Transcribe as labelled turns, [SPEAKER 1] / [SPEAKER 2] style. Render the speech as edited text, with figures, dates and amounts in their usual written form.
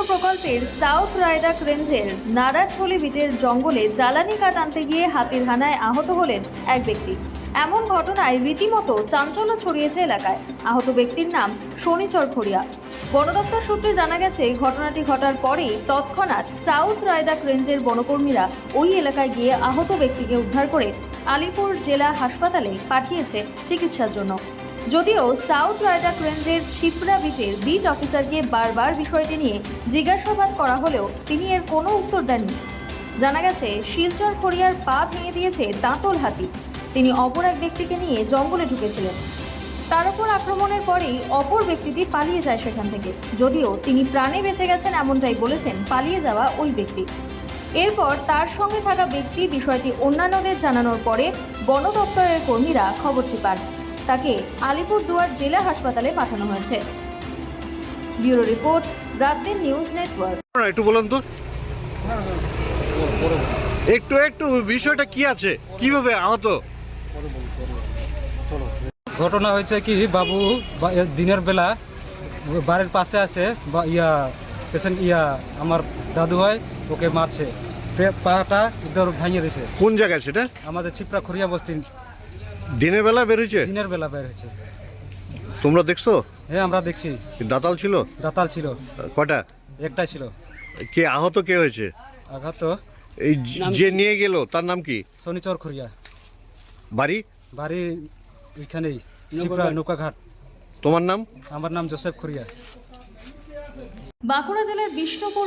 [SPEAKER 1] প্রকল্পের সাউথ রায়দাক রেঞ্জের নারায়ণথলি বিটের জঙ্গলে জ্বালানি কাঠ আনতে গিয়ে হাতির হানায় আহত হলেন এক ব্যক্তি। এমন ঘটনায় রীতিমতো চাঞ্চল্য ছড়িয়েছে এলাকায়। আহত ব্যক্তির নাম শনিচর খড়িয়া। বন দপ্তর সূত্রে জানা গেছে, ঘটনাটি ঘটার পরেই তৎক্ষণাৎ সাউথ রায়দাক রেঞ্জের বনকর্মীরা ওই এলাকায় গিয়ে আহত ব্যক্তিকে উদ্ধার করে আলিপুর জেলা হাসপাতালে পাঠিয়েছে চিকিৎসার জন্য। যদিও সাউথ রায়দাক রেঞ্জের শিপ্রা বিটের বিট অফিসারকে বারবার বিষয়টি নিয়ে জিজ্ঞাসাবাদ করা হলেও তিনি এর কোনো উত্তর দেননি। জানা গেছে, শিলচর খড়িয়ার পা ভেঙে দিয়েছে দাঁতল হাতি। তিনি অপর এক ব্যক্তিকে নিয়ে জঙ্গলে ঢুকেছিলেন। তার উপর আক্রমণের পরেই অপর ব্যক্তিটি পালিয়ে যায় সেখান থেকে। যদিও তিনি প্রাণে বেঁচে গেছেন এমনটাই বলেছেন পালিয়ে যাওয়া ওই ব্যক্তি। এরপর তার সঙ্গে থাকা ব্যক্তি বিষয়টি অন্যান্যদের জানানোর পরে বন দপ্তরের কর্মীরা খবরটি পান। তাকে আলিপুরদুয়ার জেলা হাসপাতালে পাঠানো হয়েছে। ব্যুরো রিপোর্ট, রাতদিন নিউজ নেটওয়ার্ক।
[SPEAKER 2] একটু বলুন তো, একটু বিষয়টা কি আছে, কিভাবে আহত?
[SPEAKER 3] ঘটনা হয়েছে কি, বাবু দিনের বেলা বাড়ির পাশে আছে পেশেন্ট আমার দাদু হয়, ওকে মারছে, পাটা ইধর ভাঙিয়ে দিয়েছে।
[SPEAKER 2] কোন জায়গায় সেটা?
[SPEAKER 3] আমাদের চিপড়া খড়িয়া বস্তি।
[SPEAKER 2] দিনের বেলা বেরোচ্ছে?
[SPEAKER 3] দিনের বেলা বের হয়েছে।
[SPEAKER 2] তোমরা দেখছো?
[SPEAKER 3] হ্যাঁ, আমরা দেখছি।
[SPEAKER 2] দাতাল ছিল?
[SPEAKER 3] দাতাল ছিল।
[SPEAKER 2] কটা?
[SPEAKER 3] একটাই ছিল।
[SPEAKER 2] কে আহত কে হয়েছে?
[SPEAKER 3] আঘাত
[SPEAKER 2] এই যে নিয়ে গেল তার নাম কি?
[SPEAKER 3] শনিচর খড়িয়া।
[SPEAKER 2] বাড়ি?
[SPEAKER 3] বাড়ি ওইখানেই, চিপড়া নৌকাঘাট।
[SPEAKER 2] তোমার নাম?
[SPEAKER 3] আমার নাম জোসেফ খড়িয়া।
[SPEAKER 1] বাঁকুড়া জেলার বিষ্ণুপুর